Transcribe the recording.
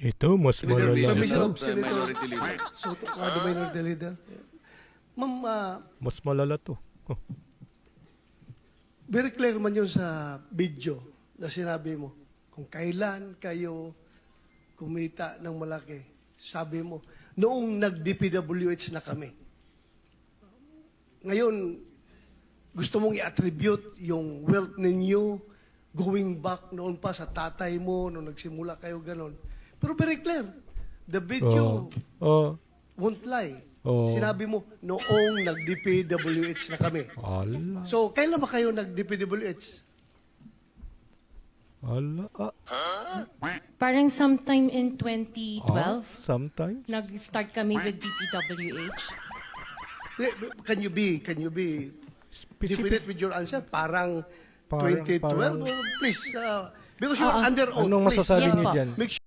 Ito, mas malala Permission ito. of Senator Minority Leader. Soto, the Minority Leader. Ma'am, Mas malala to. Oh. very clear man yun sa video na sinabi mo. Kung kailan kayo kumita ng malaki, sabi mo, noong nag-DPWH na kami. Ngayon, gusto mong i-attribute yung wealth ninyo going back noon pa sa tatay mo, noong nagsimula kayo ganon. Pero very clear, the video won't lie. Sinabi mo, noong nag-DPWH na kami. Ala. So, kailan ba kayo nag-DPWH? Ala. Parang sometime in 2012, Sometimes. nag-start kami with DPWH. Can you be definite with your answer? Parang 2012? Parang- Oh, please, because you're under oath. Anong please, masasabi Yes niyo po. dyan? Make sure